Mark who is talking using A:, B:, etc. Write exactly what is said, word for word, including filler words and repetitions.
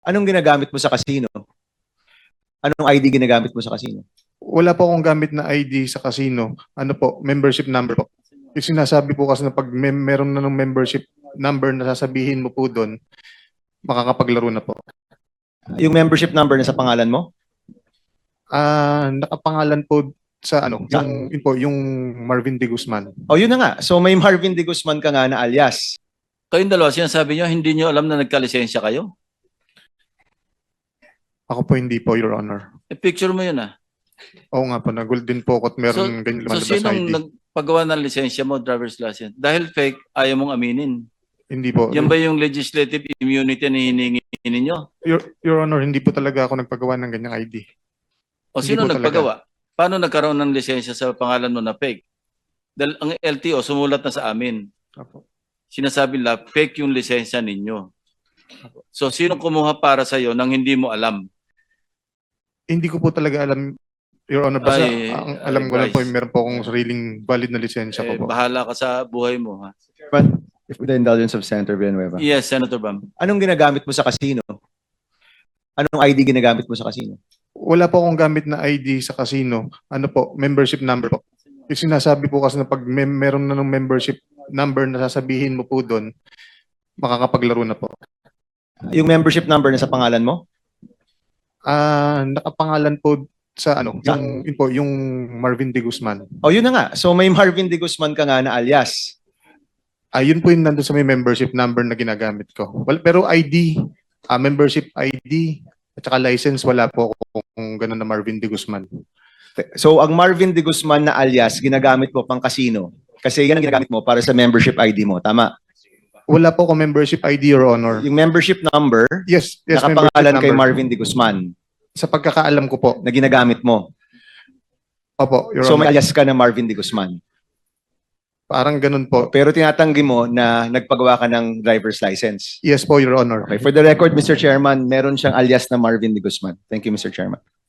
A: Anong ginagamit mo sa casino? Anong I D ginagamit mo sa casino?
B: Wala po akong gamit na I D sa casino. Ano po, membership number po. Yung sinasabi po kasi na pag may, meron na ng membership number na sasabihin mo po doon, makakapaglaro na po.
A: Yung membership number na sa pangalan mo?
B: Ah, nakapangalan po sa ano,
A: Sa-
B: yung, yun po, yung Marvin De Guzman.
A: O yun na nga. So may Marvin De Guzman ka nga na alias.
C: Kayong dalawa, sinasabi nyo, hindi nyo alam na nagkalisensya kayo?
B: Ako po hindi po, Your Honor.
C: E, picture mo yun ah.
B: Oo nga po, nagul din po ako at meron ganyan
C: So
B: lumalabas na I
C: sinong
B: D.
C: nagpagawa ng lisensya mo, driver's license? Dahil fake, ayaw mong aminin.
B: Hindi po.
C: Yan ba yung legislative immunity na hiningi ninyo?
B: Your, Your Honor, hindi po talaga ako nagpagawa ng ganyang I D.
C: O
B: Hindi
C: sino
B: po
C: nagpagawa? Paano nagkaroon ng lisensya sa pangalan mo na fake? Dahil ang L T O sumulat na sa amin.
B: Opo.
C: Sinasabi la fake yung lisensya ninyo. So sino kumuha para sa iyo nang hindi mo alam?
B: Hindi ko po talaga alam, Your Honor. Basta
C: Ay,
B: ang alam
C: ay,
B: ko lang po,
C: Bryce.
B: meron po akong sariling valid na lisensya
C: Eh,
B: po po.
C: bahala ka sa buhay mo. Ha?
A: But if with the indulgence of Senator Villanueva.
C: Yes, Senator Bam.
A: Anong ginagamit mo sa casino? Anong I D ginagamit mo sa casino?
B: Wala po akong gamit na I D sa casino. Ano po, membership number po. Yung sinasabi po kasi na pag may, meron na ng membership number na sasabihin mo po doon, makakapaglaro na po.
A: Yung membership number na sa pangalan mo?
B: Ah, nakapangalan po sa ano,
A: Sa-
B: yung, yun po, yung Marvin De Guzman.
A: O yun na nga. So may Marvin De Guzman ka nga na alias.
B: Ah, yun po yung nandun sa may membership number na ginagamit ko. Well, pero I D, ah, membership I D, at saka license, wala po kung, kung gano'n na Marvin De Guzman.
A: So ang Marvin De Guzman na alias ginagamit mo pang casino. Kasi yan ang ginagamit mo para sa membership I D mo. Tama?
B: Wala po akong membership I D, Your Honor.
A: Yung membership number,
B: Yes, yes,
A: nakapangalan
B: membership
A: kay
B: number.
A: Marvin De Guzman
B: Sa pagkakaalam ko po.
A: na ginagamit mo.
B: Opo, Your
A: So may
B: Honor.
A: alias ka na Marvin De Guzman.
B: Parang ganun po.
A: Pero tinatanggi mo na nagpagawa ka ng driver's license.
B: Yes po, Your Honor.
A: Okay. For the record, Mister Chairman, meron siyang alias na Marvin De Guzman. Thank you, Mister Chairman.